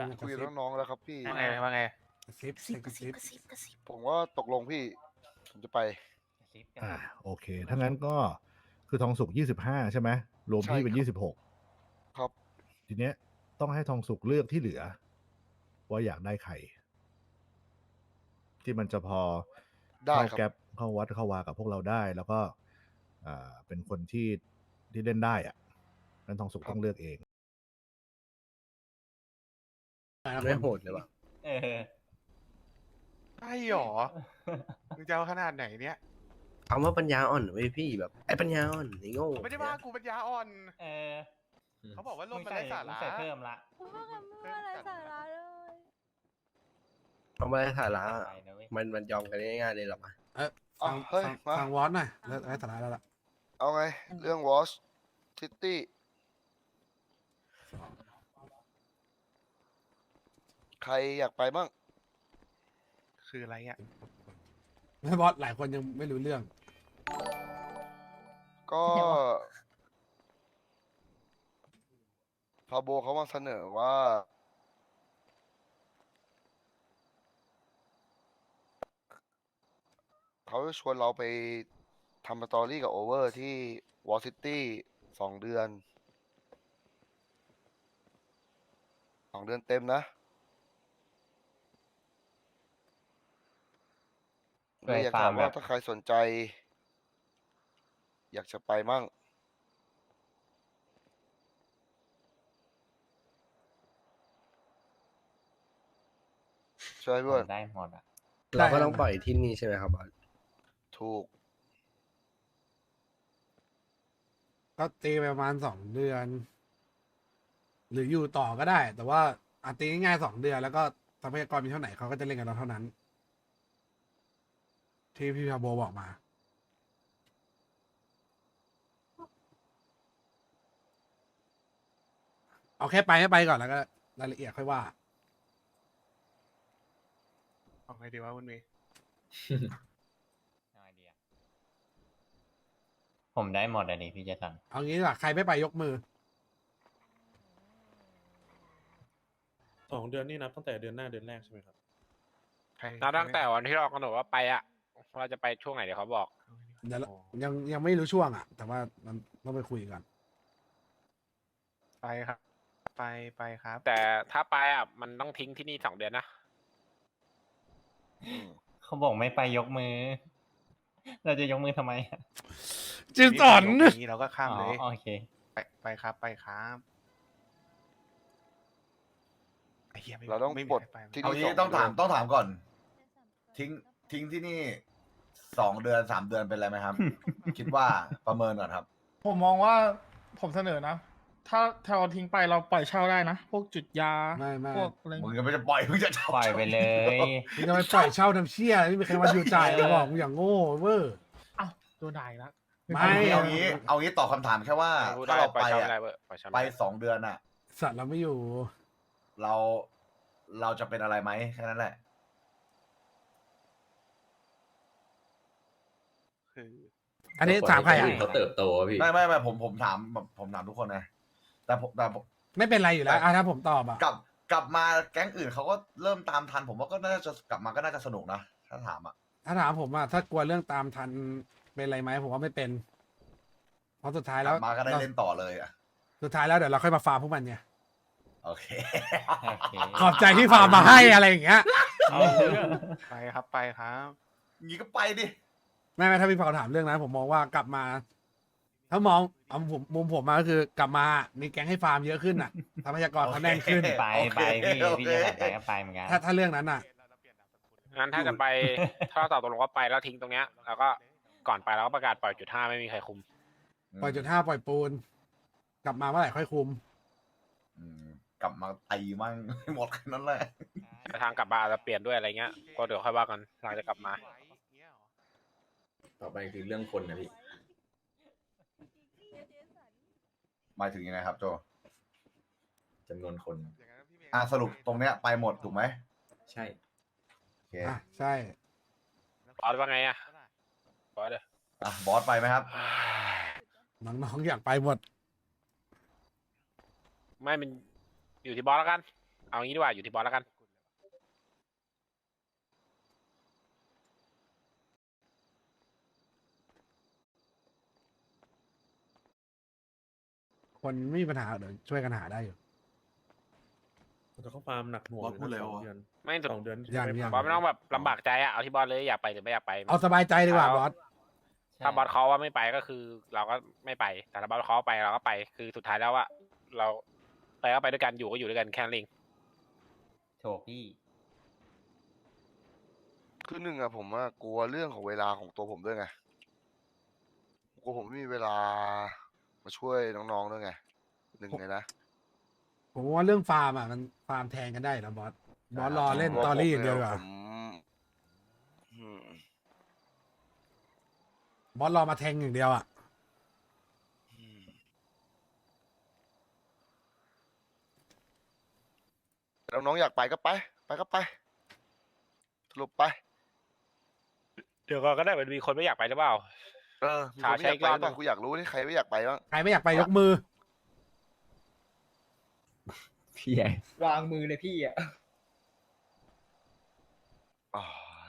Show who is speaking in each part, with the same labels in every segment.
Speaker 1: คุยกับน้องๆแล้วครับพี่
Speaker 2: ว่าไงว่าไง
Speaker 3: กระซิบ
Speaker 4: กระซิบกระซิบกระซิบ
Speaker 1: ผมว่าตกลงพี่ ผมจะไป
Speaker 3: โอเคถ้างั้นก็คือทองสุก25ใช่ไหมรวม
Speaker 1: ใช่
Speaker 3: พี่เป็น
Speaker 1: ครับ
Speaker 3: 26
Speaker 1: ครับ
Speaker 3: ทีเนี้ยต้องให้ทองสุกเลือกที่เหลือ ว่าอยากได้ใครที่มันจะพอ
Speaker 1: ได้
Speaker 3: เข้า
Speaker 1: ครับ
Speaker 3: แก๊ปเข้าวัดเข้าวากับพวกเราได้ แล้วก็เป็นคนที่เล่นได้อะนั้นทองสุก
Speaker 1: ครับ
Speaker 3: ต้องเลือกเอง
Speaker 5: ไม่โหดเลยว่ะ
Speaker 2: ใช่หรอมึงจะเอาขนาดไหนเนี่ย
Speaker 5: คำว่าปัญญาอ่อนเว้ยพี่แบบไอ้ปัญญาอ่อนไอ้โง่
Speaker 2: เขาไม่ได้ว่ากูปัญญาอ่อน เขาบอกว่าลมมันไร้สาระ
Speaker 6: ใส่เพิ่มละ
Speaker 4: พูดว่ากันไม่ว่าอะไรสาระเลย
Speaker 5: เขาไม่ได้สาระ
Speaker 6: ไปนะเว้ย
Speaker 5: มันยอมกันง่ายๆเลยหรอกอะ
Speaker 3: ฟัง
Speaker 1: เฮ้ย
Speaker 3: ฟัง
Speaker 1: มา
Speaker 3: ฟังวอสหน่อยแล้วไอ้สาระแล้วล่ะ
Speaker 1: เอาไง เรื่องวอชซิตี้ ใครอยากไปบ้าง
Speaker 2: คืออะไรอ่ะ
Speaker 3: ไม่บอสหลายคนยังไม่รู้เรื่อง
Speaker 1: ก็พาโบเขามาเสนอว่า เขาจะชวนเราไปทำสตอรี่กับโอเวอร์ที่วอลซิตี้2 เดือน 2 เดือนเต็มนะ
Speaker 6: เค
Speaker 1: เลย
Speaker 6: ย
Speaker 1: อยาก
Speaker 6: ฟา
Speaker 1: ถา
Speaker 6: ร์
Speaker 1: ม
Speaker 6: มแบ
Speaker 1: ว่า
Speaker 6: บ
Speaker 1: ถ้าใครสนใจ อยากจะไปมั่ง ใช่เพื่อน
Speaker 6: ได้หมดอ่ะ
Speaker 5: เราก็ต้องปล่อยที่นี่ใช่ไหมครับบอส
Speaker 1: ถูก
Speaker 3: ก็ตีไปประมาณ2 เดือน หรืออยู่ต่อก็ได้ แต่ว่าตีง่ายๆ2 เดือน แล้วก็ทรัพยากรมีเท่าไหร่เขาก็จะเล่นกับเราเท่านั้น ที่พี่พาโบบอกมา เอาแค่ไปให้ไปก่อนแล้วก็รายละเอียดค่อยว่า
Speaker 2: เอาไงดีวะคุณเมย์
Speaker 6: เอาไอเดียผมได้หมดอันนี้พี่เจสัน
Speaker 3: เอางี้ดีกว่าใครไม่ไปยกมือ
Speaker 7: 2 เดือนนี่นับตั้งแต่เดือนหน้าเดือนแรกใช่ไหมครับ
Speaker 2: นับตั้งแต่วันที่เรากำหนดว่าไปอ่ะว่าจะไปช่วงไหนเดี๋ยวเขาบอก
Speaker 3: เดี๋ยวยังไม่รู้ช่วงอ่ะ แต่ว่ามันต้องไปคุยกัน
Speaker 2: ไปครับ ไปครับ แต่ถ้าไปอ่ะมันต้องทิ้งที่นี่2 เดือนนะ
Speaker 6: เขาบอกไม่ไปยกมือ เราจะยกมือทำไมอะ
Speaker 3: จินสอน
Speaker 2: นี้เราก็ข้ามเลย
Speaker 6: อ๋อโอเค
Speaker 2: ไปครับไปครับไอ้เหี้ยไม่
Speaker 1: เราต้อง
Speaker 2: ไม่มี
Speaker 1: ปลด
Speaker 2: ใครไป
Speaker 1: ที่
Speaker 8: เอา
Speaker 1: นี่
Speaker 8: งี้
Speaker 1: 2
Speaker 8: ต้องถาม
Speaker 1: เดือน
Speaker 8: ต้องถามก่อน ทิ้งที่นี่2 เดือน 3 เดือนเป็นไรไหมครับ คิดว่าประเมินก่อนครับ
Speaker 9: ผมมองว่าผมเสนอนะ ถ้าเราทิ้งไปเราปล่อยเช่าได้นะ พวกจุดยา
Speaker 3: ไม่
Speaker 9: พวกอะไร
Speaker 8: มึงก็ไม่จะปล่อยมึงจะ
Speaker 6: ปล่อยไปเลย
Speaker 3: มึงจะไปปล่อยเช่าทำเชี่ยไม่มีใครมาอยู่จ่ายเลยบอกมึงอย่างโง่เวอร์
Speaker 9: อ้าวโดนด่าอีกแล้ว
Speaker 3: ไม่
Speaker 8: เอางี้ตอบคำถามแค่ว่า
Speaker 2: พูด
Speaker 8: ถ้า
Speaker 2: ได้
Speaker 8: เรา
Speaker 2: ปล่อย
Speaker 8: ไป
Speaker 2: เช่า
Speaker 8: อะ
Speaker 2: ไม่ได้เว้ยปล่อยเช่า
Speaker 8: ไป
Speaker 2: ไม่ได้
Speaker 8: 2 เดือนอะ
Speaker 3: สัตว์เราไม่อยู่
Speaker 8: เราจะเป็นอะไรไหมแค่นั้นแหละ
Speaker 2: คือ
Speaker 3: อันนี้ถามใครอ่ะ
Speaker 7: เขาเติบโตพี่
Speaker 8: ไม่ผมถามแบบผมถามทุกคนนะแต่ผม
Speaker 3: ไม่เป็นไรอยู่แล้วถ้าผมตอบอ่ะ
Speaker 8: กลับมาแก๊งอื่นเขาก็เริ่มตามทัน ผมว่าก็น่าจะกลับมาก็น่าจะสนุกนะถ้าถามอะ
Speaker 3: ถ้าถามผมอ่ะถ้ากลัวเรื่องตามทันเป็นไรไหมผมว่าไม่เป็น เพราะสุดท้าย
Speaker 8: ก
Speaker 3: แล้
Speaker 8: ลั
Speaker 3: ว
Speaker 8: บมาก็ได้เล่นต่อเลยอะ
Speaker 3: สุดท้ายแล้วเดี๋ยวเราค่อยมาฟาร์มพวกมันไง
Speaker 8: โอเค
Speaker 6: โอเค
Speaker 3: ขอบใจที่ฟาร์มมาให้อะไรอย่างเงี้ย
Speaker 6: เอาเรื่อง
Speaker 2: ไปครับไปครับ
Speaker 8: งี้ก็ไปดิ
Speaker 3: ไม่ถ้าพี่เผาถามเรื่องนั้นผมมองว่ากลับมา ถ้ามองเอามุมผมมาก็คือกลับมามีแก๊งให้ฟาร์มเยอะขึ้นอ่ะทรัพยากรเขาแน่นขึ้น
Speaker 6: ไป
Speaker 8: โอเค
Speaker 6: พี่
Speaker 8: โอเค
Speaker 6: เจสันไปก็ไปเหมือนกัน
Speaker 3: ถ้าเรื่องนั้นอ่ะ
Speaker 2: งั้นถ้าจะไป ถ้าเราตกลงว่าไปแล้วทิ้งตรงเนี้ยแล้วก็ก่อนไปเราก็ประกาศปล่อยจุด 5ไม่มีใครคุม
Speaker 3: ปล่อยจุด5ปล่อยปูน กลับมาเมื่อไหร่ค่อยคุม
Speaker 8: อืมกลับมาตีมั่ง หมดแค่นั้นแหละ
Speaker 2: แต่ทางกลับมาอาจจะเปลี่ยนด้วยอะไรเงี้ยก็เดี๋ยวค่อยว่ากันหลังจะกลับมา
Speaker 7: ต่อไปคือเรื่องคนนะพี่
Speaker 8: หมายถึงยังไงครับโจ
Speaker 7: จำนวนคน
Speaker 8: สรุปตรงเนี้ยไปหมดถูกไหม
Speaker 7: ใช่
Speaker 8: โอเค
Speaker 3: อ่ะใช่
Speaker 2: บอสว่าไงอะบอสเด้อบ
Speaker 8: อสไปไหมครับ
Speaker 3: น้องๆอยากไปหมด
Speaker 2: ไม่มันอยู่ที่บอสแล้วกันเอางี้ดีกว่าอยู่ที่บอสแล้วกัน
Speaker 3: คนไม่มีปัญหาเดี๋ยวช่วยกันหาได้อยู่
Speaker 10: แต่เขาฟาร์มหนักหน่วง
Speaker 7: บอสพูดแล้ว
Speaker 10: 2 เดือน
Speaker 2: ไม่สุด
Speaker 10: 2 เดือน
Speaker 3: ยัง
Speaker 10: ไม่
Speaker 3: ยัง
Speaker 2: บอสไม่ต้องแบบลำบากใจอะเอาที่บอสเลยอยากไปหรือไม่อยากไป
Speaker 3: เอาสบายใจดีกว่าบอส
Speaker 2: ถ้าบอสเขาว่าไม่ไปก็คือ เราก็ไม่ไปแต่ถ้าบอสเขาไปเราก็ไปคือสุดท้ายแล้วว่าเราไปก็ไปด้วยกันอยู่ก็อยู่ด้วยกันแค่นั้นเอง
Speaker 6: โถพี่
Speaker 1: คือหนึ่งอะผมว่ากลัวเรื่องของเวลาของตัวผมด้วยไงกลัวผมไม่มีเวลามาช่วยน้องๆด้วยไงหนึ่งเลยนะ
Speaker 3: ผมว่าเรื่องฟาร์มอ่ะมันฟาร์มแทนกันได้นะบอสบอสรอเล่นตอรี่อย่างเดียวดีกว่า
Speaker 1: ผมอืม
Speaker 3: บอสรอมาแทงอย่างเดียวอ่ะ
Speaker 1: น้องๆอยากไปก็ไป ไปก็ไปสรุปไป
Speaker 2: เดี๋ยวก็ได้มันมีคนไม่อยากไปหรือเปล่า
Speaker 1: เออมีคนไม่อยากไปหรือเปล่ากูอยากรู้ที่ใครไม่อยากไปบ้าง
Speaker 3: ใครไม่อยากไปยกมือ
Speaker 5: พี่ใหญ่วางมือเลยพี่อ่ะ
Speaker 1: อ๋อ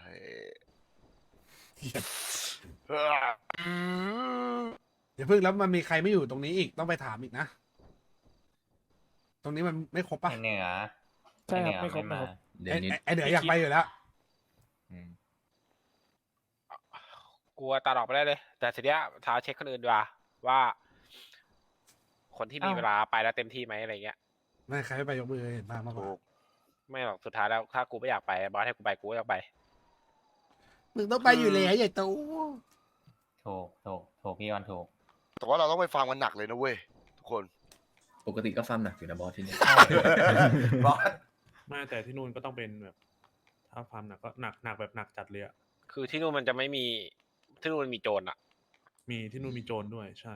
Speaker 1: เออ
Speaker 3: เดี๋ยวเพิ่งแล้วมันมีใครไม่อยู่ตรงนี้อีกต้องไปถามอีกนะ ตรงนี้มันไม่ครบป่ะ
Speaker 6: ไอ้เหนือ
Speaker 9: ใช่ครับ
Speaker 6: อ้
Speaker 9: ไม่ครบ
Speaker 6: เหนือ
Speaker 9: ไม่ครบ
Speaker 3: ไอ้เดี๋ยวอยากไปอยู่แล้ว
Speaker 6: อืม
Speaker 2: กลัวตาดอกไปได้เลย แต่ทีเนี้ยท้าเช็คคนอื่นดีกว่าว่า คนที่มีเวลาไปแล้วเต็มที่ไหมอะไรเงี้ย
Speaker 3: ไม่ใครไม่ไปยกมือเห็นป่ะมากกว่า
Speaker 1: ถูก
Speaker 2: ไม่หรอกสุดท้ายแล้วถ้ากูไม่อยากไปบอสให้กูไปกูก็อยากไป
Speaker 3: มึงต้องไปอยู่แล้วใหญ่โต
Speaker 6: ถูกพี่ออนถูก
Speaker 1: แต่ว่าเราต้องไปฟังมันหนักเลยนะเว้ยทุกคน
Speaker 5: ปกติก็ฟาร์มหนักอยู่นะบอสที่นี่
Speaker 8: บอส
Speaker 10: ไม่แต่ที่นู่นก็ต้องเป็นแบบ ถ้าฟาร์มหนักก็หนักแบบหนักจัดเลยอะ
Speaker 2: คือที่นู่นมันจะไม่มีที่นู่นมันมีโจรอะ
Speaker 10: มีที่นู่นมีโจรด้วยใช่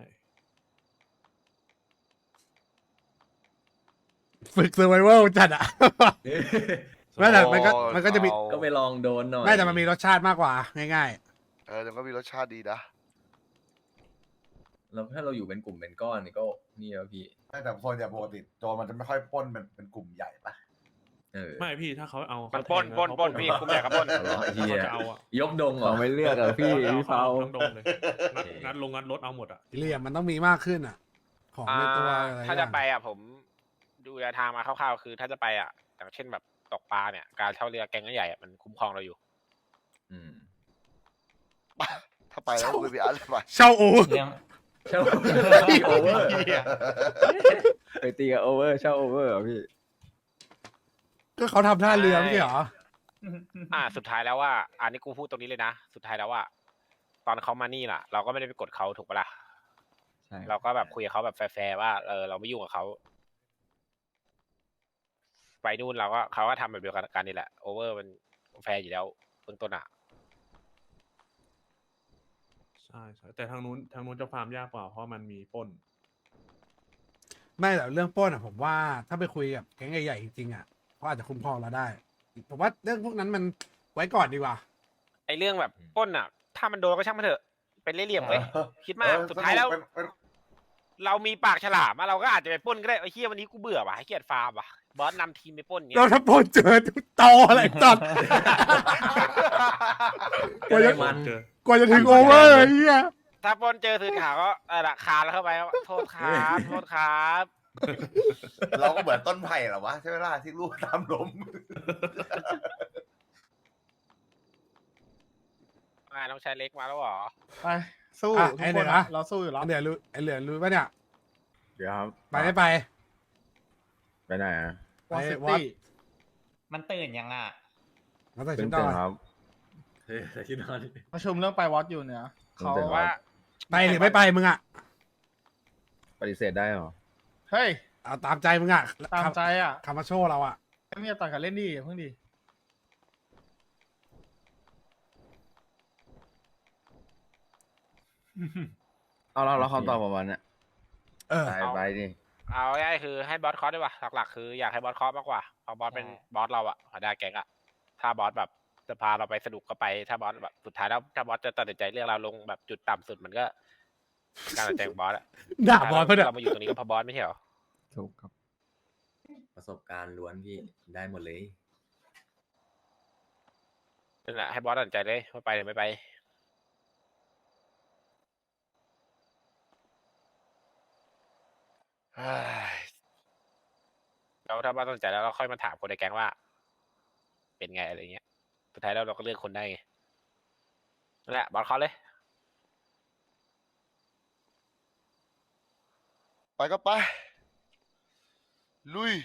Speaker 3: ฝึกเซอร์ไวเวลจัดอ่ะ ไม่แต่มันก็จะมี
Speaker 5: ก็ไปลองโดนหน่อย
Speaker 3: ไม่แต่มันมีรสชาติมากกว่าง่าย
Speaker 1: เออแต่ก็มีรสชาติดีนะ
Speaker 5: แล้วถ้าเราอยู่เป็นกลุ่มเป็นก้อนนี่ก็นี่แล้วพี่
Speaker 8: แต่โซนอย่างปกติโจรมันจะไม่ค่อยปล้นเป็นกลุ่มใหญ่ปะ
Speaker 5: เออ
Speaker 10: ไม่พี่ถ้าเขาเอา
Speaker 2: มัน
Speaker 10: เขา
Speaker 2: ปล้น
Speaker 10: แทง
Speaker 2: ปล้น
Speaker 10: แล้ว
Speaker 2: ปล้น
Speaker 10: เขา
Speaker 2: พี่กูไม่อยากกับปล้น
Speaker 5: เอาเหรอไอ้เหี้ย
Speaker 10: เขาจะเอาอะ
Speaker 5: ยกดงเหรอ
Speaker 11: ไม่เลือกอะพี่
Speaker 10: เขา
Speaker 11: พี่
Speaker 10: จะ
Speaker 11: เปา
Speaker 10: เอาทั้งดงเลยงัดงัดรถเอาหมดอ่ะ
Speaker 3: ๆเหลี่ยมมันต้องมีมากขึ้นอ่ะ ของในตัวอะไร
Speaker 2: ถ้าจะไปอ่ะผมดูแนวทางมาคร่าวๆคือ ถ้าจะไปอ่ะอย่างเช่นแบบตกปลาเนี่ยการเช่าเรือแก๊งใหญ่ๆอะมันคุ้มครองเราอยู่
Speaker 5: อืม
Speaker 1: ถ้าไปแล้วคุยไปอะไรไป
Speaker 3: เช่าโอ
Speaker 6: เรื่อง
Speaker 5: เช่าโอเวอร์
Speaker 11: ไปตีกับโอเวอร์เช่าโอเวอร์เหรอพี่
Speaker 3: ก็เขาทำท่าเรือไม่ใช่เหรอ
Speaker 2: สุดท้ายแล้วว่าอันนี้กูพูดตรงนี้เลยนะสุดท้ายแล้วว่าตอนเขามานี่ล่ะ เราก็ไม่ได้ไปกดเขาถูกปะล่ะ
Speaker 11: ใช่
Speaker 2: เราก็แบบคุยกับเขาแบบแฟร์ๆว่าเราไม่ยุ่งกับเขาไปนู่นเราก็เขาก็ทำแบบเดียวกันนี่แหละโอเวอร์มันแฟร์อยู่แล้วเบื้องต้นอ่ะ
Speaker 10: ใช่ใช่แต่ทางนู้นจะฟาร์มยากกว่าเพราะมันมีปล้น
Speaker 3: ไม่แต่เรื่องปล้นอ่ะผมว่าถ้าไปคุยกับแก๊งใหญ่ๆจริงๆอ่ะเขาอาจจะคุ้มครองเราได้ ผมว่าเรื่องพวกนั้นมันไว้ก่อนดีกว่า
Speaker 2: ไอเรื่องแบบปล้นอ่ะ ถ้ามันโดนก็ช่างมันเถอะเป็นเล่ห์เหลี่ยมเว้ยคิดมากสุดท้ายแล้ว เรามีปากฉลามอะเราก็อาจจะไปปล้นก็ได้ไอ้เหี้ยวันนี้กูเบื่อว่ะให้เกียรติฟาร์มว่ะบอสนำทีมไปปล้นเงี้
Speaker 3: เรา
Speaker 2: ย
Speaker 3: ถ้าปล้นเจอตออะไรตัด
Speaker 5: ก็ได้มัน
Speaker 10: เจอ
Speaker 3: กว่าจะถึงโอเวอร์ไอ้เหี้ย
Speaker 2: ถ้าปล้นเจอสื่อข่าวก็ละคานแล้วเข้าไปว่าโทษครับโทษครับ
Speaker 8: เราก็เหมือนต้นไผ่เหรอวะใช่ไหมล่ะที่ลูกตามลม
Speaker 2: น้องชายเล็กมาแล้วเหรอ
Speaker 9: ไปสู้
Speaker 3: อ่ะ
Speaker 9: ทุก
Speaker 3: ไอ้
Speaker 9: ค
Speaker 3: เหลื
Speaker 9: น
Speaker 3: อ
Speaker 9: อะเราสู้อยู่แล้ว
Speaker 3: ไอ้เหลือรู้ไอ้เหลือรู้ป่ะเนี่ย
Speaker 11: เดี๋ยวครับ
Speaker 3: ไปไม่ไป
Speaker 11: ไปไหนอ่ะ
Speaker 9: วอ
Speaker 3: ไป
Speaker 9: ซิ
Speaker 3: วัด
Speaker 9: ตี้
Speaker 6: มันตื่นยังอ่ะ
Speaker 3: แล้วใส่
Speaker 11: เพิ่
Speaker 3: ชุ
Speaker 11: ง
Speaker 3: ดน
Speaker 11: ตื่
Speaker 3: อน น
Speaker 11: ครับ
Speaker 5: เฮ้ยแต่ที่นอน
Speaker 9: ประชุมเรื่องไปวอตอยู่เนี่ยเขา
Speaker 11: เดี๋ยว
Speaker 2: ว่า
Speaker 3: ไปหรือไม่ไปมึงอ่ะ
Speaker 11: ปฏิเสธได้เหรอ
Speaker 9: เฮ้ย
Speaker 3: เอาตามใจมึงอ่ะ
Speaker 9: ตามใจอ่ะ
Speaker 3: คำมาโชว์เราอ่ะ
Speaker 9: ไม่จะต่างกันเล่นดีอย่าเพิ่งดี
Speaker 11: เอาแล้วคำตอบประมาณเนี้ย
Speaker 3: เออ
Speaker 11: ไปดิ
Speaker 2: เอาง่ายๆคือให้บอสคอสดีกว่าหลักๆคืออยากให้บอสคอสมากกว่าเพราะบอสเป็นบอสเราอะหัวหน้าแก๊งอะถ้าบอสแบบจะพาเราไปสนุกก็ไปถ้าบอสแบบสุดท้ายแล้วถ้าบอสจะตัดสินใจเลือกเราลงแบบจุดต่ำสุดมันก็การตัดสินใจของบอสอะ
Speaker 3: ด่าบอลเพื่อน
Speaker 2: เรามาอยู่ตรงนี้ก็เพราะบอสไม่ใช่เหรอ
Speaker 11: ถูกครับ
Speaker 7: ประสบการณ์ล้วนพี่ได้หมดเลย
Speaker 2: นั่นแหละให้บอสตัดสินใจเลยว่าไปหรือไม่ไป
Speaker 1: เฮ้ย
Speaker 2: แล้วถ้าบอสตัดสินใจแล้วเราค่อยมาถามคนในแก๊งว่า เป็นไงอะไรเงี้ยสุดท้ายแล้วเราก็เลือกคนได้ไงนั่นแหละบอสเขาเลย
Speaker 1: ไปก็ไป ลุย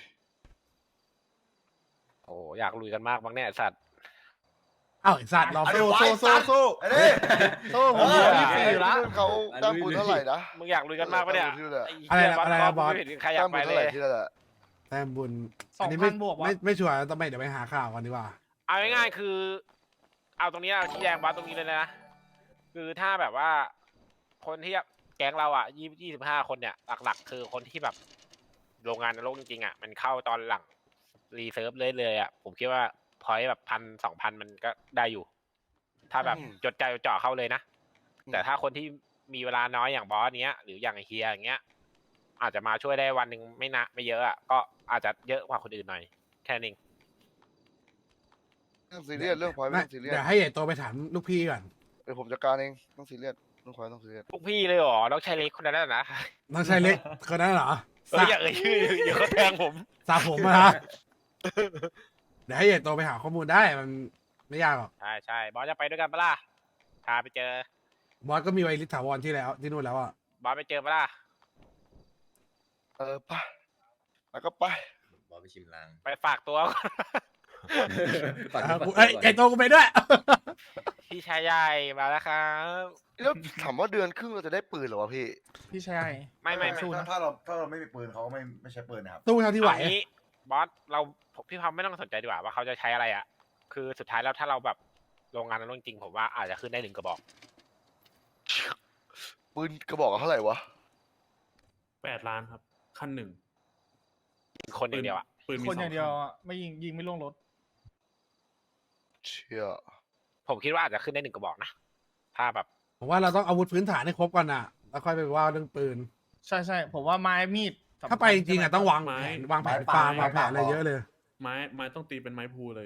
Speaker 2: โอ้อยากลุยกันมากบ้างเนี่ยไอ้สัตว์
Speaker 3: เอ้าไอ้สัตว์รอ
Speaker 1: เอา
Speaker 3: สู้
Speaker 1: ดิ
Speaker 3: สู้
Speaker 1: ไว้
Speaker 3: สู้สู้
Speaker 1: ไอ้นี่
Speaker 3: สู้ผม
Speaker 1: เอ
Speaker 3: เย
Speaker 1: อ
Speaker 3: อะ
Speaker 1: ที่
Speaker 3: ที่
Speaker 1: นู่
Speaker 3: สี่ละ
Speaker 1: นเขาตั้งปูนเท่าไหร่นะ
Speaker 2: มึงอยากลุยกันมากปะเนี่ย
Speaker 1: ที่นู่นอะ
Speaker 2: ไอ้เหี้ย
Speaker 3: อะไรนะ
Speaker 2: บอส
Speaker 3: อะไรนะบอส
Speaker 2: ไม่เห็นใครอยาก
Speaker 1: ตั้ง
Speaker 2: ไป
Speaker 1: ปูน
Speaker 2: เล
Speaker 1: เท่าไหร่
Speaker 2: ย
Speaker 1: ที่นั่นแหละ
Speaker 3: แต้มบุญ
Speaker 9: 2,000
Speaker 3: อันนี้ไม่
Speaker 9: บวกวะ
Speaker 3: ไม่ชัวร์ต้องไปเดี๋ยวไปหาข่าวกันดีกว่า
Speaker 2: เอาง่ายๆคือ เอาตรงนี้เอาชี้แจงบอสตรงนี้เลยนะ คือถ้าแบบว่า คนที่แก๊งเราอ่ะ25 คนเนี่ย หลักๆ คือคนที่แบบโรงงานนรกจริงๆอ่ะ มันเข้าตอนหลังรีเซิร์ฟเลยอ่ะ ผมคิดว่าพอยแบบ1,000-2,000 มันก็ได้อยู่ ถ้าแบบจดใจจดจ่อเข้าเลยนะ แต่ถ้าคนที่มีเวลาน้อยอย่างบอสเนี้ย หรืออย่างเฮียอย่างเงี้ย อาจจะมาช่วยได้วันหนึ่งไม่เยอะอ่ะ ก็อาจจะเยอะกว่าคนอื่นหน่อย แค่นี้
Speaker 1: ไม่ต้องซีเรียสเรื่องพอยไม่
Speaker 3: ไม่
Speaker 1: ต้องซีเรียส
Speaker 3: เดี๋ยวให้ใหญ่โตไปถามลูกพี่ก่อน
Speaker 1: เดี๋ยวผมจัดการเองต้องซีเรียสเรื่องพอยต้องซีเรียส
Speaker 2: พวกพี่เลยเหรอน้องชายเล็กคนนั้นนะ
Speaker 3: น้องชายเล็กคนนั้นเหรอ
Speaker 2: อย่าเอ่ยชื่อเดี๋ยวเขาแทงผม
Speaker 3: สาผมอะนะเดี๋ยวให้ใหญ่โตไปหาข้อมูลได้มันไม่ยากหรอก
Speaker 2: ใช่บอสจะไปด้วยกันปะล่ะพาไปเจอ
Speaker 3: บอสก็มีไวริสถาวรที่แล้วที่นู่นแล้วอ่ะ
Speaker 2: บอสไปเจอปะล่ะ
Speaker 1: ไปแล้วก็ไป
Speaker 7: บอไปชิมลาง
Speaker 2: ไปฝากตัว ก่อน
Speaker 3: เอ้ยใหญ่โตกูไปด้วย
Speaker 2: พี่ชายใหญ่มาแล้วครับ
Speaker 1: แล้วถามว่าเดือนครึ่งเราจะได้ปืนเหรอวะพี่
Speaker 9: พี่ชาย
Speaker 2: ไม่
Speaker 9: สู้นะ
Speaker 8: ถ้าเราไม่มีปืนเขาก็ไม่ใช้ปืนนะครับ
Speaker 3: ตู้เท่าที่ไหว
Speaker 2: เอางี้บอสเราพี่พามไม่ต้องสนใจดีกว่าว่าเขาจะใช้อะไรอ่ะ คือสุดท้ายแล้วถ้าเราแบบโรงงานนั้นจริงผมว่าอาจจะขึ้นได้1 กระบอก
Speaker 1: ปืนกระบอกเท่าไหร่วะ
Speaker 10: 8 ล้านครับ ขั้นหนึ่ง
Speaker 2: ยิงคนอย่างเดียวอ่ะ
Speaker 10: ปืนมี
Speaker 9: คนอย่างเดียว
Speaker 10: 2
Speaker 9: อะไม่ยิงไม่ล่วงรถ
Speaker 1: เชี่ย
Speaker 2: ผมคิดว่าอาจจะขึ้นได้1 กระบอกนะถ้าแบบ
Speaker 3: ผมว่าเราต้องอาวุธพื้นฐานให้ครบก่อนอ่ะ แล้วค่อยไปว่าเรื่องปืน
Speaker 9: ใช่ผมว่าไม้มีดสำคัญ
Speaker 3: ถ้าไปจริงๆอ่ะต้องวางแผนวางแผนฟาร์มวางแผนอะไรเยอะเลย
Speaker 10: ไม้ต้องตีเป็นไม้พูเลย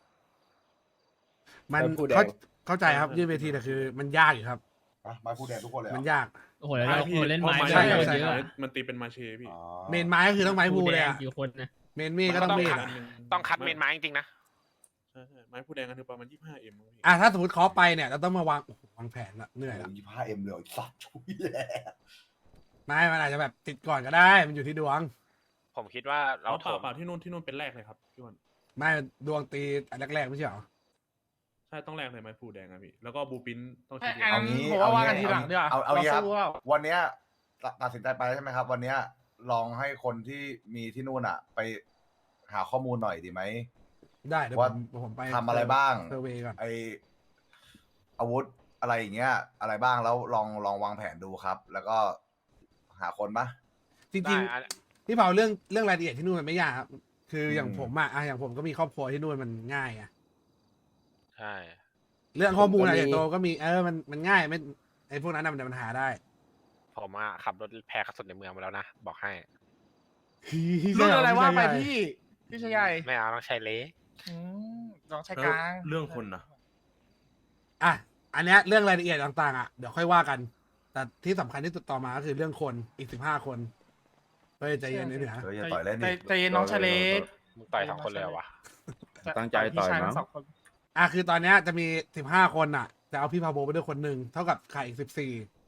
Speaker 3: มัน
Speaker 11: ผู้แดง
Speaker 3: เข้าใจครับยืดเวทีแต่คือมันยากอยู่ครับ
Speaker 8: มาพูดแดงทุกคนเลยเหรอ
Speaker 3: มันยาก
Speaker 12: โอ้โหแล้วเราเล่นไม้
Speaker 10: พราะ
Speaker 3: ใช่
Speaker 12: ด้วย
Speaker 3: ใช่
Speaker 12: เยอะ
Speaker 10: มันตีเป็นมาเชพี่
Speaker 8: อ๋อ
Speaker 3: เมนไม้ก็คือต้องไม้พูเลยอ่ะ
Speaker 12: กี่คนนะ
Speaker 3: เมนมีดก็ต้องมีด
Speaker 2: คัด
Speaker 3: อะ
Speaker 2: ต้องคัดเมนไม้จริงๆนะ
Speaker 10: ใช่ไม้พูแดงกันคือประมาณ 25M ครับพี่
Speaker 3: อ่ะถ้าสมมติเคาะไปเนี่ยเราต้องมาวางโอ้โหวางแผนละเหนื่อยละ
Speaker 8: 25M เลยไอ้สัตว์ชุยแหละ
Speaker 3: ไม่มันอาจจะแบบติดก่อนก็ได้ มันอยู่ที่ดวง
Speaker 2: ผมคิดว่าเรา
Speaker 10: เรา
Speaker 2: โถม
Speaker 10: เปล่าที่นู่นเป็นแรกเลยครับพี่วัน
Speaker 3: ไม่ดวงตีอันแรกๆไม่ใช่เหรอ
Speaker 10: ใช่ต้องแรกเลยไม้พูแดงครับพี่แล้วก็บูปินต้อง
Speaker 9: ไอ้
Speaker 10: ทีเดียว
Speaker 9: อันนั้นผมว่ากันทีหลังดีกว่า
Speaker 8: เอางี้ครับ
Speaker 9: สู้ว่า
Speaker 8: วันเนี้ยตัดสินใจไปแล้วใช่ไหมครับ วันเนี้ยลองให้คนที่มีที่นู่นอ่ะ ไปหาข้อมูลหน่อยดีไหม
Speaker 3: ได้เดี๋ยว
Speaker 8: ว่า
Speaker 3: ผมไป
Speaker 8: ทำอะไรบ้าง
Speaker 3: เซอร์เวย์ก่อน
Speaker 8: ไออาวุธอะไรอย่างเงี้ย อะไรบ้างแล้วลองวางแผนดูครับ แล้วก็หาคนปะ
Speaker 3: จริง
Speaker 2: ได้อัน
Speaker 3: ๆพี่เผาเรื่องรายละเอียดที่นู่นมันไม่ยากครับคืออย่าง
Speaker 8: อืม
Speaker 3: ผมอะอย่างผมก็มีครอบครัวที่นู่นมันง่ายอะ
Speaker 2: ใช่
Speaker 3: เรื่องข้อมูลอะไร
Speaker 11: ผมก็มี
Speaker 3: โตก็มีมันง่ายไม่ไอ้พวกนั้นน่ะมันหาได้
Speaker 2: ผมอะขับรถแพ้กระสุนในเมืองมาแล้วนะบอกให้
Speaker 9: รุ่นอะไรว่าไป
Speaker 3: ใช่
Speaker 9: พี่ชายใหญ่
Speaker 2: ไม่เอาต้องใช้เล็ก
Speaker 9: อืมน้องชายกลาง
Speaker 10: เรื่องคนนะ
Speaker 3: อ่ะอันเนี้ยเรื่องรายละเอียดต่างๆอ่ะเดี๋ยวค่อยว่ากัน แต่ที่สำคัญที่สุดต่อมาก็คือเรื่องคนอีก15 คนเฮ้ยใจเย็นนิดหนึ่งนะ
Speaker 8: เฮ้ยอย่าต่อยเล่นดิ
Speaker 9: ใจเย็นน้องชายเล็ก
Speaker 2: มึงต่อย2 คนเลยเหรอวะ
Speaker 11: ตั้งใจต่อย
Speaker 9: พี่ชาย
Speaker 11: มั้
Speaker 9: ทั้
Speaker 11: ง
Speaker 9: งสองคน
Speaker 3: อ่ะคือตอนเนี้ยจะมี15 คนอ่ะจะเอาพี่พาโบไปด้วยคนหนึ่งเท่ากับขาดอีก14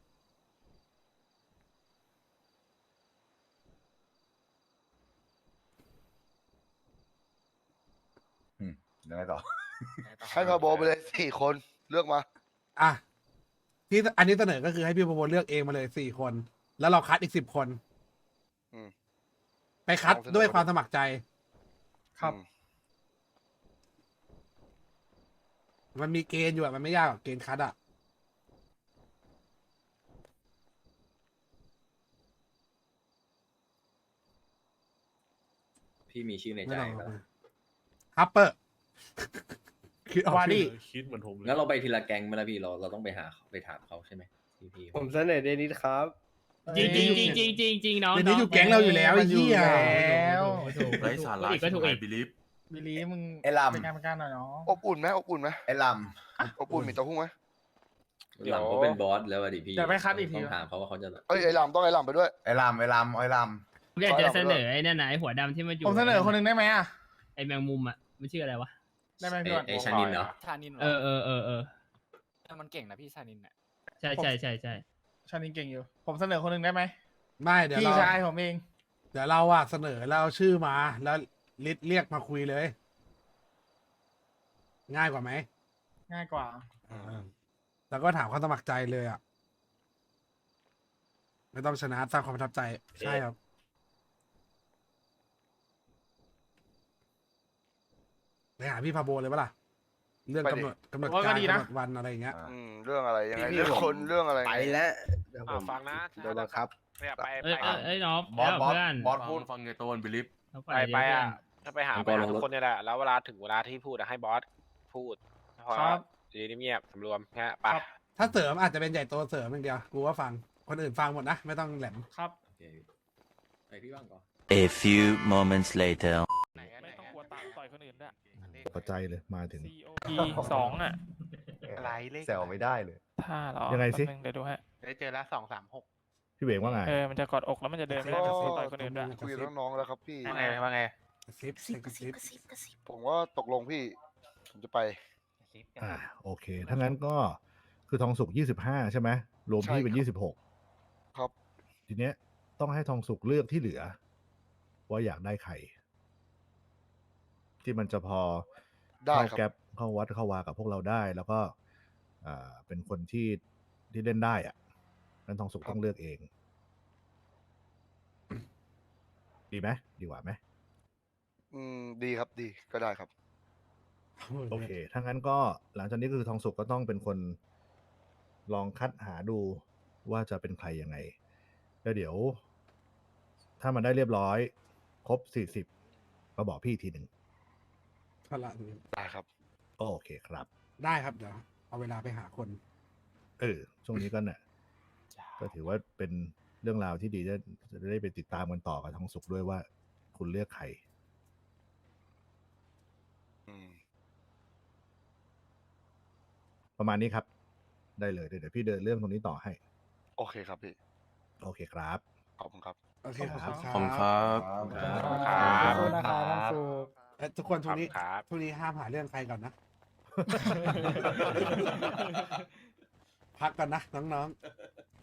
Speaker 8: ยังไงต่อ
Speaker 1: ให้พาโบไปเลย4 คนเลือกมา
Speaker 3: อ่ะที่อันนี้เสนอก็คือให้พี่พาโบเลือกเองมาเลย4 คน แล้วเราคัดอีก10 คน
Speaker 1: อืม
Speaker 3: ไปคัดด้วยความสมัครใจ
Speaker 9: ครับ
Speaker 3: มันมีเกณฑ์อยู่อ่ะมันไม่ยากหรอกเกณฑ์คัดอ่ะ
Speaker 7: พี่มีชื่อใน
Speaker 3: ไม่
Speaker 7: ใจ
Speaker 3: ต้อง
Speaker 7: แล้ว
Speaker 3: ฮัปเปอร์ คิดออก
Speaker 9: วาดิ
Speaker 10: คิดเหมือนผมเลย
Speaker 7: งั้นเราไปทีละแก๊งไหมล่ะพี่เราต้องไปถามเขาใช่ไหมพี่
Speaker 11: ผมเสนอเดนิสครับ
Speaker 9: จริงจริงจริง
Speaker 3: จริงน้องเดี๋ยวนี้อยู่แก๊งเราอยู่แล้วไอ้เหี้ย
Speaker 9: แล้ว
Speaker 10: ไร้สาระก็ถูกไอ้บิลิฟ
Speaker 9: บิลลี่มึง
Speaker 8: ไอ้ลำ
Speaker 9: เป็นการเป็นการหน่อยเนาะ
Speaker 1: อบอุ่นไหมอบอุ่นไหม
Speaker 8: ไอ้ล
Speaker 1: อบอุ่นมีเต้าหู้ไหม
Speaker 2: เดี๋ยว
Speaker 7: หลังเขาเป็นบอสแล้วอะดิพี่
Speaker 9: เดี๋ยวไปคัดอีกที
Speaker 7: ต้องถามเขาว่าเขาจะ
Speaker 1: เอ้ยไอ้ลำต้องไอ้ลำไปด้วย
Speaker 8: ำไอ้ลำไอ้ลำไอ้ล
Speaker 11: อยากจะเสนอไอ้นั่นไหนะไอ้หัวดำที่มาอยู่
Speaker 9: ผมเสนอคนหนึ่งได้ไหมอ่ะ
Speaker 11: ไอ้แมงมุมอ่ะมันชื่ออะไรวะ
Speaker 9: ได้ไหมพี่บอล
Speaker 7: ไอ้ชานินเนาะ
Speaker 12: ชานิน
Speaker 11: เออ
Speaker 12: มันเก่งนะพี่ชานินเนี่ย
Speaker 11: ใช่
Speaker 9: ชานินเก่งอยู่ ผมเสนอคนหนึ่งได้ไหม
Speaker 3: ไม่เดี๋ยว
Speaker 9: พี่
Speaker 3: เรา
Speaker 9: ชายผมเอง
Speaker 3: เดี๋ยวเราอะเสนอแล้วเอาชื่อมาแล้วลิสเรียกมาคุยเลย ง่ายกว่าไหม
Speaker 9: ง่ายกว่า
Speaker 3: แล้วก็ถามความสมัครใจเลยอ่ะ ไม่ต้องชนะสร้างความประทับใจ ใช่ครับ ไปหาพี่พาโบเลยปะล่ะ เรื่องกำหนดการกำหนดวันอะไรอย่างเงี้ย
Speaker 1: เรื่องอะไรยังไงเรื่องคนเรื่องอะไร
Speaker 5: ไปแล้วเดี๋ยวผม
Speaker 2: ฟังนะ
Speaker 5: โดนบังคับ
Speaker 2: เนี่ยไป
Speaker 11: เอ้ย
Speaker 2: ไป
Speaker 11: เอ้ยน้อง
Speaker 8: ำบอสบอส
Speaker 11: เพื่อน
Speaker 8: บอสพูด
Speaker 10: ฟังไงตัวบิลิฟ
Speaker 2: ไปอ่ะถ้าไปหาทุกคนเนี่ยแหละแล้วเวลาถึงเวลาที่พูดอะให้บอสพูดพอ
Speaker 9: ครับ
Speaker 2: ดีเงียบสำรวมแค่ไป
Speaker 9: ครับ
Speaker 3: ถ้าเสริมอาจจะเป็นใหญ่โตเสริมอย่างเดียว กูว่าฟัง คนอื่นฟังหมดนะ ไม่ต้องแหลม
Speaker 9: ครับ
Speaker 7: โอเคไปพี่บ้างก่อน
Speaker 13: A few moments later
Speaker 9: ไม่ต้องกลัวต่อยคนอื่นด้วย
Speaker 3: ตกใจเลยมาถึง
Speaker 9: 2อ่ะ
Speaker 2: อะไรเลข
Speaker 3: แซวไม่ได้เลย
Speaker 9: ถ้าหรอ
Speaker 3: ยังไงสิ
Speaker 9: เดี๋ยวดูฮะ
Speaker 2: ได้เจอแล้ว236
Speaker 3: พี่เวงว่าไง
Speaker 9: มันจะกอดอกแล้วมันจะเดินไม่ได้
Speaker 1: ก็
Speaker 9: ต่อยคนอื่นด้วย
Speaker 1: คุยกับน้องๆแล้วครับพี่
Speaker 2: ว่าไง
Speaker 3: กระซิบ
Speaker 4: กระซิบกระซิบกระซิบ
Speaker 1: ผมว่าตกลงพี่ ผมจะไป
Speaker 3: โอเค ถ้างั้นก็คือทองสุก25 ใช่ไหม รวมพี่เป็น
Speaker 1: ใช่ครับ
Speaker 3: 26
Speaker 1: ครับ
Speaker 3: ทีเนี้ยต้องให้ทองสุกเลือกที่เหลือ ว่าอยากได้ใคร ที่มันจะพอ
Speaker 1: ได้
Speaker 3: เข้า
Speaker 1: ครับ
Speaker 3: แก๊ปเข้าวัดเข้าวากับพวกเราได้ แล้วก็เป็นคนที่เล่นได้อ่ะนั้นทองสุกต้องเลือกเอง ดีไหมดีกว่าไหม
Speaker 1: ดีครับดีก็ได้ครับ
Speaker 3: โอเค ถ้างั้นก็หลังจากนี้ก็คือทองสุกก็ต้องเป็นคนลองคัดหาดูว่าจะเป็นใครยังไง แล้วเดี๋ยว ถ้ามันได้เรียบร้อย ครบ 40มาบอกพี่อีกทีหนึ่ง
Speaker 1: ได้ครับ
Speaker 3: โอเคครับ ได้ครับเดี๋ยวเอาเวลาไปหาคน ช่วงนี้ก็เนี่ยก็ถือว่าเป็นเรื่องราวที่ดีจะได้ไปติดตามกันต่อกับทองสุกด้วยว่า คุณเลือกใคร ประมาณนี้ครับ ได้เลยเดี๋ยวพี่เดินเรื่องตรงนี้ต่อให้
Speaker 1: โอเคครับพี่
Speaker 3: โอเคครับ
Speaker 1: ขอบคุณครับ
Speaker 3: โอเคครับ
Speaker 10: ขอบคุณครับ
Speaker 2: ครับ
Speaker 9: ขอบคุณนะครับน้องสุก
Speaker 3: ทุกคนช่วงนี้
Speaker 2: ครับ
Speaker 3: ช่วงนี้ห้ามหาเรื่องใครก่อนนะ พักก่อนนะน้องๆ